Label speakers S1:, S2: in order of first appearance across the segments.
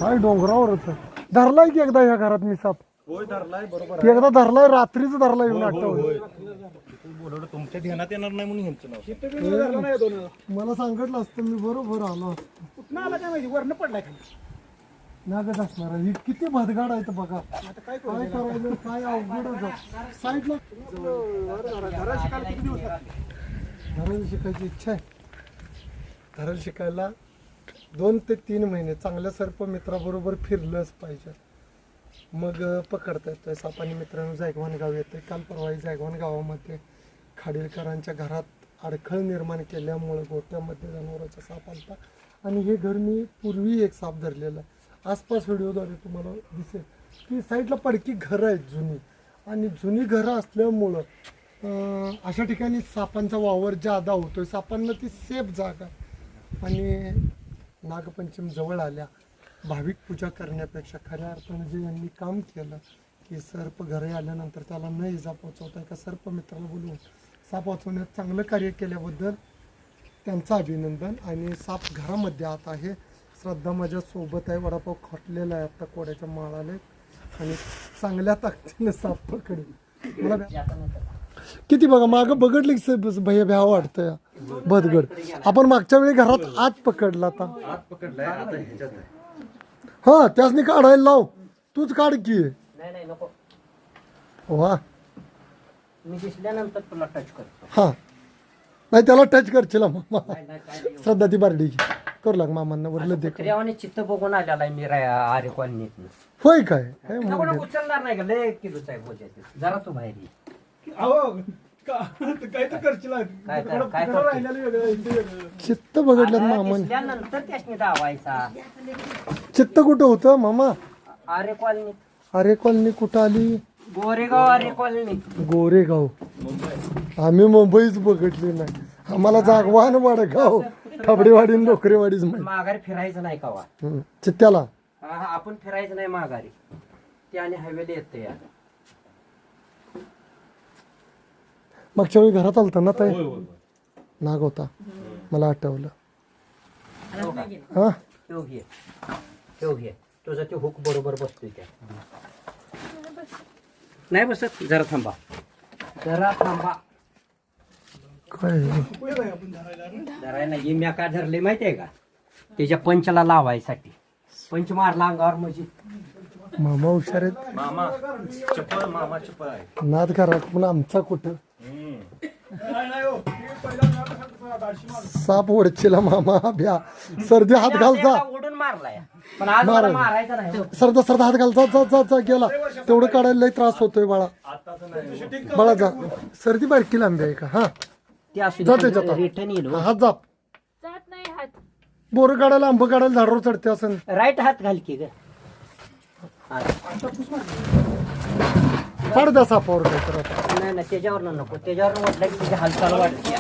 S1: काय डोंगरावर होतं. धरलाय की एकदा ह्या घरात मी साप.
S2: होय धरलाय बरोबर
S1: एकदा धरलाय, रात्रीच धरलाय येऊन आठवलं.
S2: बोलवलं तुमच्या ध्यानात येणार नाही म्हणून ह्यांचं नाव.
S1: मला सांगितलं असतं मी बरोबर आलो असतो.
S3: कुठं आला काय माहिती, वरनं पडलाय खाली.
S1: नागत असणार ही किती भदगाड आहे बघा. काय करायचं काय अवघडच आहे. साईडला
S3: घरात शिकायला किती दिवस लागले?
S1: धरण शिकायची इच्छा आहे. धरण शिकायला 2 ते 3 महिने चांगल्या सर्प मित्राबरोबर फिरलंच पाहिजे, मग पकडता येतोय साप. आणि मित्रांनो जायगवान गाव येते. काल परवा जायगवान गावामध्ये खाडीलकरांच्या घरात अडखळ निर्माण केल्यामुळं गोट्यामध्ये जनावरांचा साप आलता. आणि हे घर मी पूर्वी एक साप धरलेला आहे. आसपास व्हिडिओद्वारे तुम्हाला दिसेल की साईडला पडकी घरं आहेत जुनी. आणि जुनी घरं असल्यामुळं अशा ठिकाणी सापांचा वावर जादा होतोय. सापांना ती सेफ जागा. आणि नागपंचमी जवळ आल्या, भाविक पूजा करण्यापेक्षा खऱ्या अर्थानं जे यांनी काम केलं की सर्प घरी आल्यानंतर त्याला न इजा पोचवता एका सर्प मित्राला बोलवून साप वाचवण्यात चांगलं कार्य केल्याबद्दल त्यांचं अभिनंदन. आणि साप घरामध्ये आत आहे. श्रद्धा माझ्या सोबत आहे. वडापाव खटलेला आहे आता कोड्याच्या माळाले. आणि चांगल्या ताकदीने साप पकडेल. मला किती बघा मागं बघडले की भैया भ्या वाटतं भदगड. आपण मागच्या वेळी घरात आत पकडला आता. हा त्यासनी काढायला लाव. तूच काढ की.
S4: नाही नको.
S1: वा
S4: मी दिसल्यानंतर तुला टच करतो.
S1: हा नाही त्याला टच करशील मामा. श्रद्धा ती बारडी करू लाग मामांना वरलं दे.
S4: क्रियावाने चित्त बघून आलेला आहे मी आरे कॉलनीत.
S1: होय काय
S4: उचलणार नाही का, लय किलोचा आहे बोजा. जरा तू बाहेर ये.
S3: अहो काय तर करशील.
S4: काय
S3: राहिलेलं वेगळं, इथे वेगळं.
S1: चित्त बघडलं मामा.
S4: दिसल्यानंतर त्याने धावायचा.
S1: चित्त कुठं होतं मामा?
S4: आरे कॉलनीत.
S1: अरे कॉलनी कुठं आली?
S4: गोरेगाव आरे कॉलनीत.
S1: गोरेगाव. आम्ही मुंबईच बघितली नाही. आम्हाला जागवान वडगाव खबडेवाडी नोकरेवाडीच माहिती.
S4: माघारी फिरायचं नाही का वा.
S1: चित्त्याला
S4: आपण फिरायचं नाही माघारी. ते आणि हायवेला येते या.
S1: मागच्या वेळी घरात आलता ना ताई नाग होता मला आठवलं. हा
S4: ठेव घे तुझा ते हुक बरोबर बसतोय त्या. नाही बसत. जरा थांबा.
S1: काय
S4: धरायला नाही. मी का धरले माहितीये का, त्याच्या पंचला लावायसाठी. पंच मारला अंगावर म्हणजे.
S1: मामा हुशार आहेत.
S2: मामा चप्पल आहे.
S1: नाद करा पण आमचा कुठं. साप ओढचीला मामा भ्या. सर्दी हात घालचा.
S4: ओढून मारलाय पण आज मला मारायचा नाही.
S1: सरदा हात घालचा. जा गेला. तेवढं काढायला लय त्रास होतोय बाळा. बाळा जा. सर्दी बारकी लांबी आहे का? हा
S4: ते असू
S1: जा
S4: दे.
S1: त्याच्यात.
S4: रिटर्न येईल.
S1: हात जाप. बोरं काढायला आंब काढायला झाडावर चढते असं.
S4: राईट हात घाल की ग.
S1: फाड द्या सापावर काय तर आता.
S4: नाही त्याच्यावर नको. त्याच्यावर म्हटलं की तुझी हालचाल वाटते.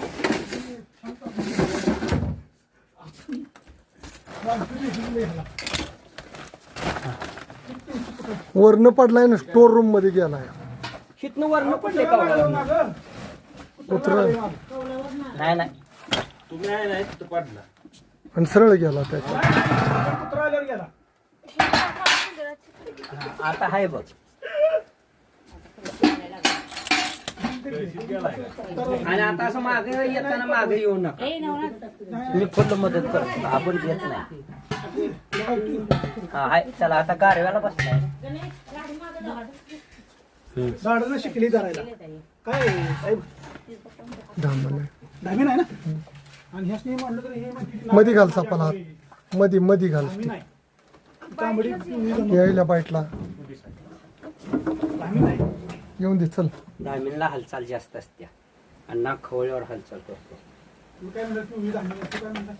S1: वरनं पडलाय ना स्टोर रूम मध्ये गेलाय.
S4: हितनं वरनं पडले का
S1: उतर
S4: नाही
S2: तुम्ही आहे नाही तिथं पडला.
S1: आणि सरळ गेला त्याच्या.
S3: कुत्रा आल्यावर गेला.
S4: आता हाय बघ. आणि आता असं मागे येताना मागे येऊ नका. मी फुल मदत करतो. आपण घेत नाही. हा हाय. चला आता गारव्याला बसलाय.
S3: झाडानं शिकली धरायला. काय साहेब धामी नाही ना. आणि ह्याच नाही म्हणलं तर हे
S1: मधी घाल सापाला हात. मधी घाल.
S3: नाही तांबडी
S1: यायला बाईटला
S3: धामी नाही.
S1: येऊन दे चल.
S4: धामीनला हालचाल जास्त असते आणि नाक खवळ्यावर हालचाल करतो.
S3: तू काय म्हणलं तू धामी तू काय म्हणलं.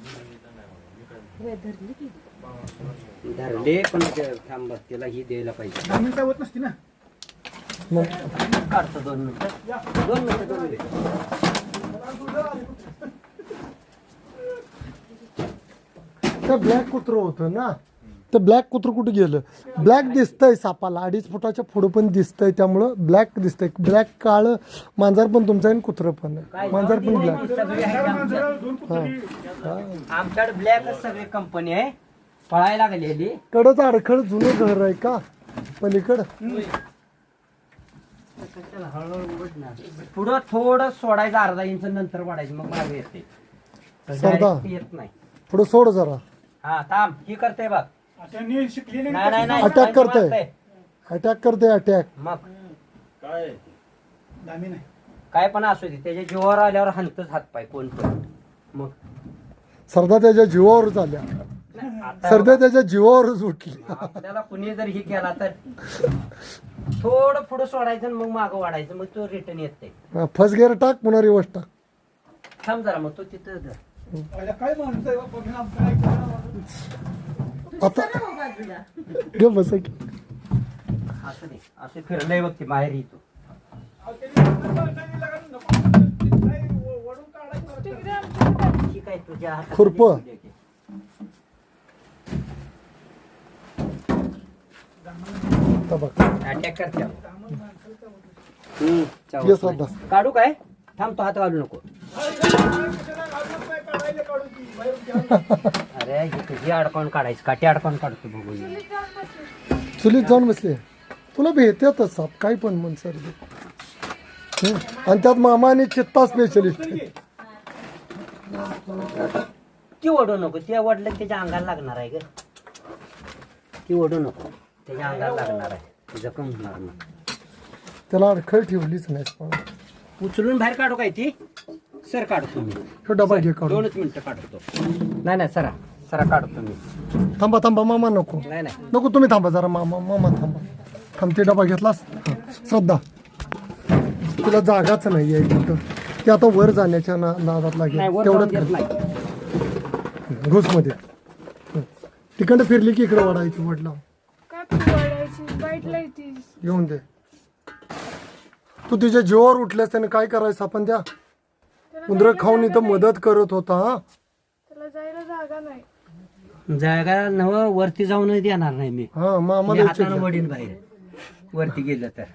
S4: धरले पण थांब तिला ही द्यायला पाहिजे.
S3: धामी काय होत नसती ना.
S1: मग
S4: काढतो 2 मिनिटं.
S1: ते ब्लॅक कुत्र होतं ना. ते ब्लॅक कुत्र कुठे गेलं? ब्लॅक दिसतंय सापाला. 2.5 फुटाच्या पुढं पण दिसतंय. त्यामुळं ब्लॅक दिसतंय. ब्लॅक काळ मांजर पण तुमचं आहे आणि कुत्र पण आहे. मांजर पण ब्लॅक.
S4: आमच्याकडे ब्लॅकच सगळी कंपनी आहे. पळायला लागलेली.
S1: कडच अडखळ जुनं घर आहे का पलीकडं?
S4: पुढं थोडं सोडायचं अर्धा इंच नंतर वाढायचं मग मागे येते.
S1: सरदा.
S4: Direct येत नाही.
S1: पुढं सोड जरा.
S4: हा थांब ही करते बघ.
S3: त्यांनी शिकलेली
S4: नाही नाही नाही
S1: Attack
S4: नाही,
S1: करतंय.
S4: मारतंय.
S1: अटॅक करते अटॅक.
S4: मग
S2: काय
S3: दामी नाही.
S4: काय पण असू दे त्याच्या जीवावर आल्यावर हलतच हात पाय कोण पण. मग
S1: सरदा त्याच्या जीवावर झाल्या.
S4: आता
S1: सरदा त्याच्या जीवावरच उठली.
S4: आपल्याला कुणी जर ही केला तर थोडं पुढं सोडायचं आणि मग मागं वाढायचं मग तो रिटर्न येत नाही.
S1: फर्स्ट गिअर टाक पुन्हा रिवर्स टाक.
S4: थांब जरा मग तो तिथं धर.
S3: पहिला काय माणूस आहे बाबा, बिना काय करावं?
S1: आता गे बस की.
S4: असू दे असं फिरलंय बघ ती बाहेर येतो.
S3: अहो, त्यांनी माणसाने लगाड नको. काय वळून काढायचं.
S4: ठीक आहे तुझ्या हातात
S1: खुरप. आता बघ.
S4: अटॅक करते.
S1: ये सरदा.
S4: काढू काय थांब तो हात घालू नको. अरे ही तुझी अडकवून काढायची काठी अडकवून काढतो बघून.
S1: चुलीत जाऊन बसले. तुला भेटतच साप काय पण म्हण सरदी. आणि त्यात मामा आणि चित्ता स्पेशलिस्ट.
S4: ती ओढू नको ती ओढलं त्याच्या अंगाला लागणार आहे ग. ती ओढू नको त्याच्या अंगाला लागणार आहे जखम होणार नाही.
S1: त्याला अडखळ ठेवलीच नाही.
S4: उचलून बाहेर काढू काय ती सर काढतो मी.
S1: तो डबा घे काढून.
S4: 2 मिनिटं काढतो. नाही नाही सरा सरा काढतो मी.
S1: थांबा थांबा मामा नको
S4: नाही नाही
S1: नको तुम्ही थांबा जरा मामा मामा थांबा. थांबते डबा घेतलास. श्रद्धा तुला जागाच नाही आहे कुठं. ते आता वर जाण्याच्या नादात लागेल
S4: नाही वर जाऊन देत
S1: तेवढंच
S4: नाही.
S1: घुसमध्ये तिकडं फिरली की इकडे वाढायची वडला
S5: काय पकडायची बाईटला येते.
S1: येऊन दे. तू तिच्या जीवावर उठल्यास त्याने काय करायचं आपण त्या उंदर खाऊन इथं मदत करत होता. हा
S5: त्याला जायला जागा नाही.
S4: जागा नव वरती जाऊन देणार नाही मी.
S1: हा मामा
S4: मी हातानं वडील बाहेर वरती गेलं तर.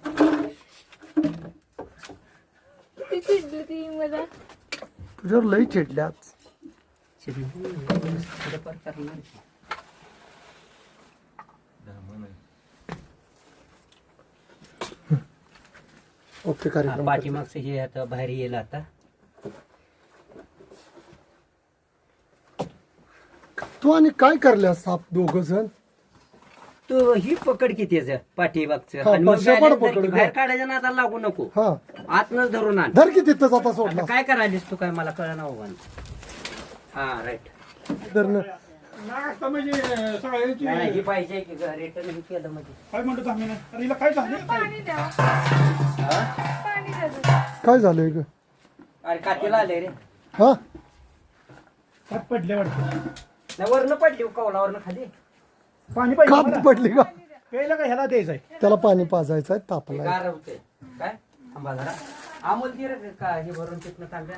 S5: किती चिडली ती मला.
S1: तुझ्यावर लई चिडल्याच.
S4: थोडंफार करणार.
S1: ओके
S4: हा,
S1: कार्यक्रम
S4: पाठीमागचं हे आता बाहेर येईल आता.
S1: तू आणि काय करल्यास साप दोघ जण.
S4: तू ही पकड की त्याचं पाठीमागचं
S1: हा,
S4: आणि मग
S1: शेपाड
S4: balance
S1: पकड
S4: धर की.
S1: गं.
S4: बाहेर काढायचं ना आता लागू नको.
S1: हा
S4: आतनच धरून आण.
S1: धर की तिथंच आता सोडला.
S4: आता काय करायलीस तू काय मला कळना होऊन. हा राईट.
S1: धरणं.
S3: नाही आता म्हणजे सगळ्यांची
S4: नाही ही पाहिजे की रिटर्न हे केलं म्हणजे.
S3: काय म्हणतो दामी नाही. अरे हिला काय झालं?
S5: पाणी द्या
S4: हा?
S5: पाणी द्या.
S1: काय झालंय ग.
S4: अरे कातीला आले रे.
S1: हा
S3: हात पडले वाटतं.
S4: नाही वरनं पडली कौलावरनं खाली.
S3: पाणी पाहिजे
S1: काप
S3: मला.
S1: पडली का.
S3: प्यायला का ह्याला द्यायचंय?
S1: त्याला पाणी पाजायचं आहे तापलाय.
S4: गार होते काय थांबा जरा. अमोल ती रे का हे भरून तिथनं तांब्या.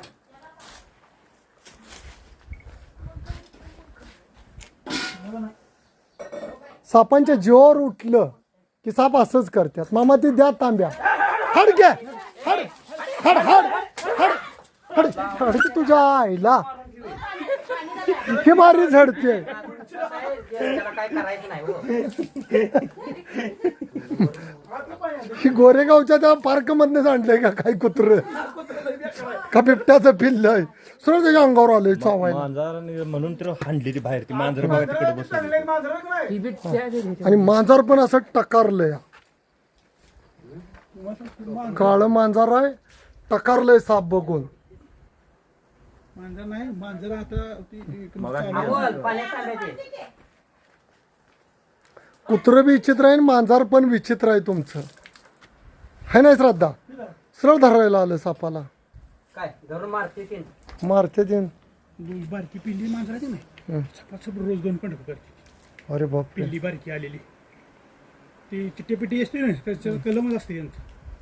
S1: सापांच्या जीवावर उठलं की साप असंच करतात. मामा ते द्या तांब्या. हड घ्या हड हड हड हड हड हड की तुझ्या आईला. हे भारी झडते.
S4: त्याला काय करायचं नाही हो.
S1: ही गोरेगावच्या त्या पार्क मधनं आणलंय का काय कुत्र का बिबट्याचं पिल्लंय. सरळ त्याच्या अंगावर आलंय चावायला.
S2: मांजर म्हणून तर हाणली ती बाहेर ती मांजर बघा तिकडे बसून.
S3: चांगलं मांजर नाही.
S1: आणि मांजर पण असं टकारलंय. काळं मांजर आहे टकारलंय साप बघून.
S3: मांजर नाही मांजर आता
S4: अमोल पाण्यात तांब्याचे.
S1: कुत्र बी विचित्र आहे आणि मांजर पण विचित्र आहे तुमचं. है नाही श्रद्धा. सरळ धरायला आलं सापाला.
S4: काय धरून मारते तीन.
S1: मारते ते.
S3: बारकी पिल्ली मांजर आहे नाही. सपासप रोज 2 पण करते.
S1: अरे बाप
S3: पिल्ली बारकी आलेली ती चिट्टी पिट्टी असते ना त्याचं कलमच असते यांचं.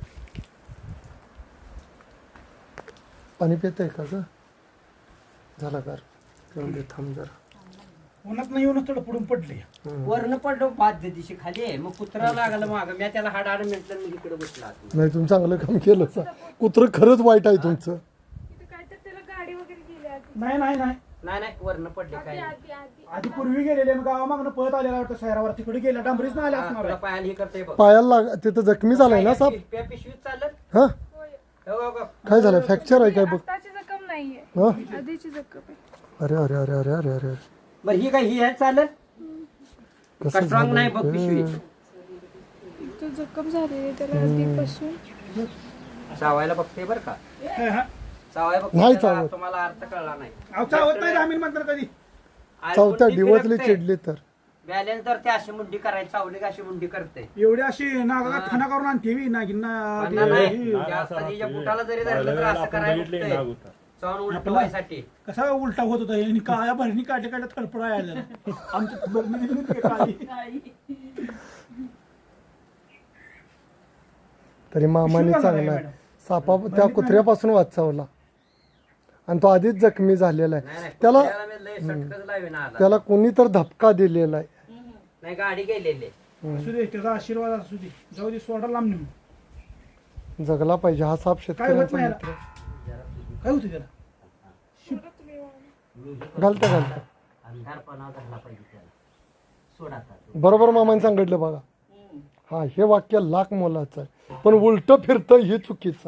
S1: पाणी पितंय का ग. झाला का थांब जरा.
S3: उन्हात नाही येऊनच थोडं पुढून पडले.
S4: वरनं पडलो 5 दिवशी खाली मग कुत्रा लागला माग मी त्याला हाड हाड म्हटलं मी इकडे बसला.
S1: नाही तुम्ही चांगलं काम केलं. कुत्र खरंच वाईट आहे तुमचं.
S5: इथं काय तर त्याला गाडी वगैरे गेली.
S3: नाही नाही नाही
S4: नाही नाही वरनं पडले काय
S3: आधी पूर्वी गेलेले गावामागनं पळत आलेला वाटतं शहरावर तिकडे गेला डांबरीच नाही आला असणार
S4: तुला
S3: आहे.
S4: पायाला हे करते बघ
S1: पायाला तिथं जखमी झालाय ना साप
S4: पिशवीत चालत
S1: हा
S4: हो, हो, हो.
S1: काय झालं फ्रॅक्चर आहे काय बघ
S5: आताची जखम नाहीये
S1: हा
S5: आधीची जखम आहे.
S1: अरे अरे अरे अरे अरे अरे
S4: बरं ही काय ही आहे चालत का
S1: कसं
S4: स्ट्रॉंग नाही बघ
S1: झालं
S4: पिशवी
S5: तो जखम झालेली आहे त्याला आधीपासून.
S4: चावायला बघते बरं का
S3: हा, हा.
S4: चावाय
S1: नाही
S4: बघते
S1: चावत.
S4: तुम्हाला अर्थ कळला नाही
S3: अहो, चावत नाही जामीन म्हणतात कधी
S1: चौथ्या डिवचली चिडली तर
S4: बॅलन्स तर ते अशी मुंडी करायची चावली का अशी मुंडी करते
S3: एवढी अशी नागा खाना करून आणते नागिन
S4: पण नाही त्या कधीच्या बुटाला जरी धरलं तर असं करायला बघतंय. चावून उलटवायसाठी
S3: कसा उलटा होत होता आणि काळ्या भरणी काढल्या काढल्या थडपडा यायला आमच्या बरणी काळी.
S1: तरी मामाने
S3: पिशवी
S1: चांगला
S3: घालायला
S1: आहे. सापा त्या कुत्र्यापासून वाचवला आणि तो आधीच जखमी झालेला
S4: नाही,
S1: आहे
S4: नाही,
S1: त्याला
S4: कुत्र्याला मी लय सटकच लावेना आला.
S1: त्याला कोणी तर धपका दिलेला आहे
S4: नाही गाडी गेलेली
S3: असू दे त्याचा आशीर्वाद असू दे जाऊ दे सोडा लांब नेऊन
S1: जगला पाहिजे हा साप
S3: काय होत
S1: शेतकऱ्यांचा
S3: नाही
S1: मित्र
S3: काय होतं त्याला
S1: घालता घालता
S4: अंधारपणा धरला पाहिजे त्याला सोडा आता.
S1: बरोबर मामाने सांगितलं बघा हा हे वाक्य लाख मोलाचं आहे पण उलट फिरतं हे चुकीचं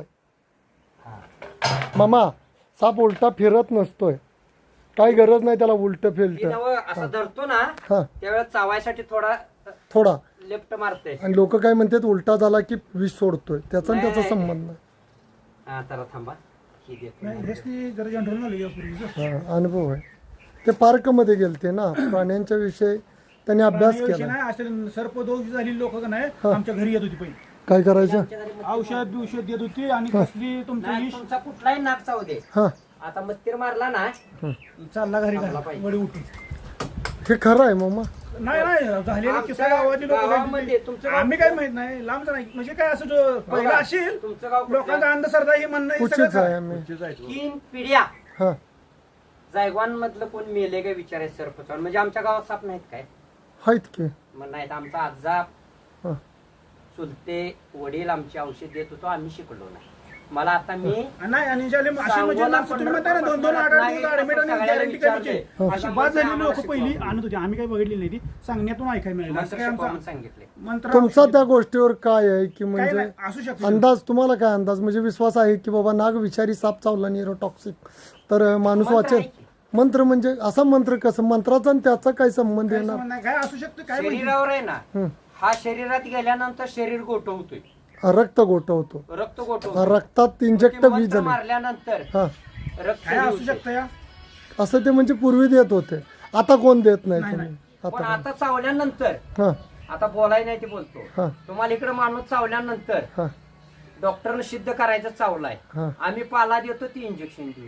S1: आहे मामा साप उलटा फिरत नसतोय काही गरज नाही त्याला उलट
S4: ती
S1: फिरत
S4: नवं असं धरतो ना
S1: हा
S4: त्यावेळेस चावायसाठी थोडा
S1: थोडा
S4: लेफ्ट मारते
S1: आणि लोक काय म्हणतात उलटा झाला की विष सोडतोय त्याचा आणि त्याचा
S4: नाही.
S1: संबंध नाही
S4: हा तर थांबा ही देतो.
S3: नाही हेच जरा जनरल नॉलेज आहे पूर्वीचं.
S1: हा, अनुभव आहे ते पार्क मध्ये गेलते ना प्राण्यांच्या विषयी त्यांनी अभ्यास
S3: प्राण्याविषयी
S1: केला
S3: नाही असे सर्पदोष झालेली लोक नाही आमच्या घरी येत होती पहिली
S1: काय करायचं
S3: औषध बिषध देत होती आणि कसली तुमचं
S4: नाही,
S3: विष
S4: तुमचा कुठलाही नाक चावू दे
S1: हा
S4: आता मत्तीर मारला ना
S3: चालला घरी
S4: थांबला
S3: घाला,
S4: पाहिजे.
S3: वडी उठून
S1: हे खरं आहे मामा
S3: नाही नाही झालेले किस्सा
S4: आमच्या
S3: गावातली
S4: गावामध्ये
S3: लोक
S4: तुमचं गाव
S3: आम्ही काय माहित नाही लांबच नाही म्हणजे काय असं जो पहिला असेल
S4: तुमचं गाव कुठलं?
S3: लोकांचा अंधश्रद्धा ही म्हणणं हे सगळं
S1: उचित आहे
S3: खरं.
S1: आम्ही
S4: 3 पिढ्या
S1: हा
S4: जायगवान मधलं कोण मेले काय विचारायचं सरपंच म्हणजे आमच्या गावात साप नाहीत काय
S1: आहेत की
S4: मग नाहीत आमचा आजा
S1: हा
S4: चुलते वडील आमचे औषध देत होतो आम्ही शिकलो नाही मला आता मी
S3: नाही आणि ज्याला अशी म्हणजे
S4: सांगोला
S3: लांब तुम्ही म्हणताय ना 2-2 8 दिवस ऍडमिट आणि
S4: सगळ्याला
S3: गॅरंटी
S4: विचारले.
S3: करायची अशी बाद झालेली लोक
S4: आम्हाला
S3: पहिली
S4: शिकवा.
S3: आणत होती आम्ही काही बघितली नाही ती सांगण्यातून ऐकायला मिळालं असं
S4: मंत्र
S3: काय
S4: शिकवा
S3: आमचा
S4: म्हणून सांगितले
S3: मंत्र
S1: तुमचा त्या गोष्टीवर काय आहे की
S3: काही
S1: म्हणजे
S3: नाही, असू शकतो
S1: अंदाज तुम्हाला काय अंदाज म्हणजे विश्वास आहे की बाबा नाग विषारी साप चावला न्यूरोटॉक्सिक तर माणूस
S4: मंत्र
S1: वाचेल
S4: आहे की.
S1: मंत्र म्हणजे असा मंत्र कसं मंत्राचा आणि त्याचा काय संबंध
S3: काही
S1: येणार
S3: संबंध नाही, काय असू शकतं काय माहिती.
S4: शरीरावर आहे ना
S1: हं.
S4: हा शरीरात गेल्यानंतर शरीर गोठवतोय
S1: रक्त गोठवतो
S4: रक्त गोठवतो
S1: रक्तात इंजेक्ट वीज झाली
S4: मारल्यानंतर
S1: हा
S4: रक्त
S3: काय असू
S4: सुरू
S3: शकतं या
S1: असं ते म्हणजे पूर्वी देत होते आता कोण देत नाही तुम्ही
S4: होते. पण
S1: आता
S4: आता चावल्यानंतर
S1: हा
S4: आता बोलाय नाही ते बोलतो
S1: हा
S4: तुम्हाला इकडे माणूस चावल्यानंतर
S1: हा
S4: डॉक्टरने सिद्ध करायचं चावलाय
S1: हा
S4: आम्ही पाला देतो ती इंजेक्शन देऊ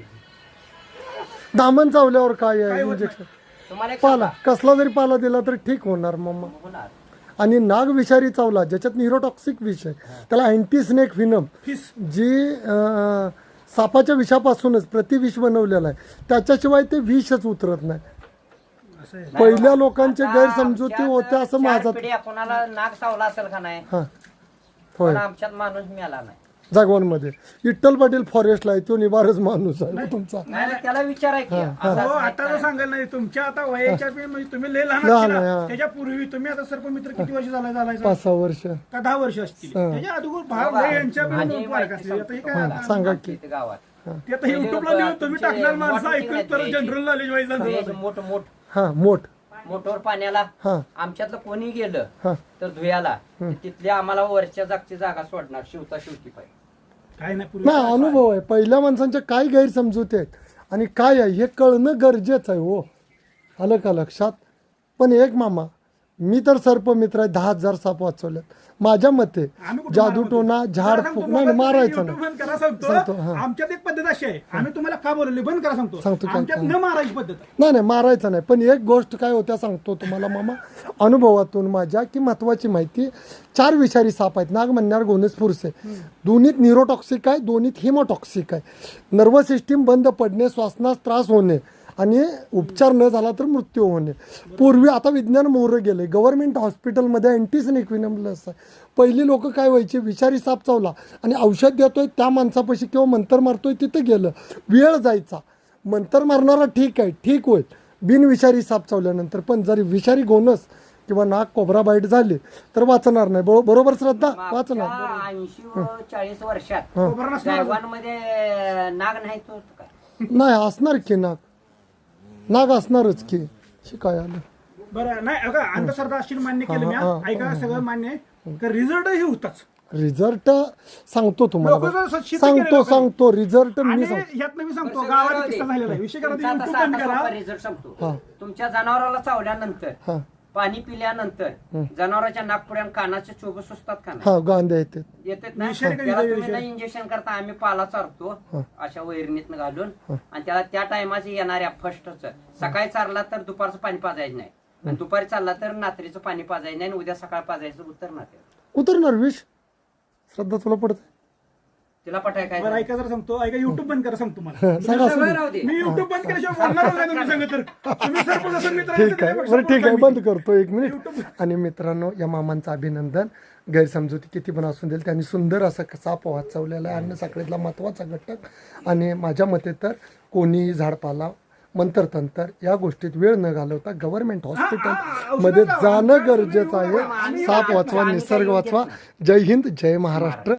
S1: दामन चावल्यावर काय आहे
S3: काय होत
S1: इंजेक्शन
S4: तुम्हाला एक
S1: पाला कसला जरी पाला दिला तर ठीक होणार मम्मा
S4: होणार.
S1: आणि नाग विषारी चावला ज्याच्यात न्यूरोटॉक्सिक विष आहे त्याला अँटी स्नेक व्हिनम
S3: फिस
S1: जी सापाच्या विषापासूनच प्रतिविष बनवलेलं आहे त्याच्याशिवाय ते विषच उतरत नाही
S3: असं आहे
S1: पहिल्या लोकांचे
S4: आता
S1: गैरसमजुती
S4: आमच्यात
S1: होत्या असं
S4: 4
S1: माझा
S4: पिढ्या कोणाला नाक चावला असेल का नाही
S1: हा होय
S4: पण आमच्यात माणूस मिळाला नाही
S1: जागवानमध्ये विठ्ठल पाटील फॉरेस्टला आहे तो निवारच माणूस आहे तुमचा
S4: नाही नाही, त्याला विचाराय की असं
S3: हो
S4: असं
S3: आता तर सांगायला नाही तुमच्या आता वयाच्या म्हणजे तुम्ही लय लहान
S1: लहान
S3: असतील
S1: आहे,
S3: ना.
S1: हा.
S3: त्याच्या पूर्वी तुम्ही आता सर्पमित्र किती वर्ष झालायचा
S1: 5-6 वर्ष
S3: का 10 वर्ष असतील
S1: हा.
S3: त्याच्या अगोदर भाव लय यांच्या
S4: आणि
S3: बरोबर
S4: माहिती
S3: फरक असले आता हे काय
S1: हा, सांगा की
S4: इथे गावात
S3: ते आता युट्यूबला लिहून तुम्ही टाकणार माणसं ऐकून तर जनरल नॉलेज वाईज
S4: फ्रेज मोठ मोठ
S1: हा मोठ
S4: मोठवर पाण्याला
S1: हा
S4: आमच्यातलं कोणी गेलं
S1: हा
S4: तर धुयाला तिथले आम्हाला वरच्या जागची जागा सोडणार शिवता शिवती पाहिजे
S3: काय नाही पूर्वी
S1: नाही अनुभव आहे पहिल्या माणसांच्या काय गैरसमजुती आहेत आणि काय आहे हे कळणं गरजेचं आहे हो आलं का लक्षात पण एक मामा मी तर सर्पमित्र आहे 10,000 साप वाचवलेत माझ्या मते
S3: आम्ही कुठं
S1: जादूटोना
S3: मारतो?
S1: झाड
S3: जरा
S1: फूक
S3: सांगतो,
S1: नाही
S3: मोबाईल
S1: मारायचं
S3: YouTube
S1: नाही
S3: बंद करा सांगतो
S1: सांगतो, हा.
S3: आमच्यात एक पद्धत अशी आहे आम्ही तुम्हाला का बोलवले बंद करा सांगतो
S1: सांगतो काय-
S3: आमच्यात न मारायची पद्धत आहे.
S1: नाही नाही मारायचं नाही पण एक गोष्ट काय होत्या सांगतो तुम्हाला मामा अनुभवातून माझ्या की महत्वाची माहिती 4 विषारी साप आहेत नाग म्हणणार गोनेस फुरसे दोन्हीत न्यूरोटॉक्सिक आहे दोन्हीत हिमोटॉक्सिक आहे नर्वस सिस्टीम बंद पडणे श्वासनास त्रास होणे आणि उपचार न झाला तर मृत्यू होणे पूर्वी आता विज्ञान मोहरं गेले गव्हर्नमेंट हॉस्पिटलमध्ये अँटीस्नेक व्हिनम लस आहे पहिली लोक काय व्हायचे विषारी साप चावला आणि औषध देतोय त्या माणसापाशी किंवा मंतर मारतोय तिथं गेलं वेळ जायचा मंतर मारणारा ठीक आहे, ठीक होईल बिनविषारी साप चावल्यानंतर, पण जर विषारी गोनस किंवा नाक कोबरा बाईट झाले तर वाचणार नाही. बरोबर श्रद्धा? वाचणार.
S4: 80-40 वर्षात
S1: हां.
S4: गायवांमध्ये नाग नाही तो काय
S1: नाही असणार की नाग असणारच की. शिकाय आलं.
S3: बरं नाही बघा, अंधश्रद्धा अशी मान्य केलं मी, ऐका सगळं मान्य आहे, का रिझल्टही होताच.
S1: रिझल्ट सांगतो तुम्हाला,
S3: लोकं जर शेती केलेलं
S1: सांगतो रिझल्ट मी
S3: आणि
S1: सांगतो.
S3: यात मी सांगतो गावात किस्सा झालेला आहे. विषय करा,
S4: तुमचा
S3: YouTube
S4: तसा
S3: बंद
S4: आता
S3: करा.
S4: सोपा रिझल्ट सांगतो.
S1: हा.
S4: तुमच्या जनावराला चावल्यानंतर
S1: हा
S4: पाणी पिल्यानंतर जनावरांच्या नागपुड्या कानाचे चोब सुचतात का नाही?
S1: हा गांध्या येते.
S4: येतात ना.
S3: विषारी
S4: त्याला
S3: काही
S4: तुम्ही नाही इंजेक्शन करता, आम्ही पाला चारतो अशा वैरणीतनं घालून, आणि त्याला त्या टायमाचे येणाऱ्या फर्स्टच सकाळी चारला तर दुपारचं पाणी पाजायचं नाही, आणि दुपारी चालला तर रात्रीचं पाणी पाजायचं नाही, आणि उद्या सकाळ पाजायचं उतरणार ते.
S1: उतरणार विष. श्रद्धा तुला पडत
S4: तिला पटाय काय
S3: बरं
S4: नाही.
S3: ऐका जर सांगतो, ऐका युट्यूब बंद करा सांगतो मला.
S1: सांगा असं
S4: सवय राहू दे.
S3: मी युट्यूब बंद केल्याशिवाय बोलणारच नाही तुम्ही सांगत तर. तुम्ही सरपंच असं मित्र
S1: ठीक आहे. बरं ठीक आहे, बंद करतो 1 मिनिट. आणि मित्रांनो, या मामांचं अभिनंदन. गैरसमजुती किती पण असून देईल, त्यांनी सुंदर असा साप वाचवलेला आहे. अन्न साखळीतला महत्त्वाचा घटक. आणि माझ्या मते तर कोणी झाडपाला मंत्रतंत्र या गोष्टीत वेळ न घालवता गव्हर्नमेंट हॉस्पिटल मध्ये जाणं गरजेचं आहे. साप वाचवा, निसर्ग वाचवा. जय हिंद, जय महाराष्ट्र.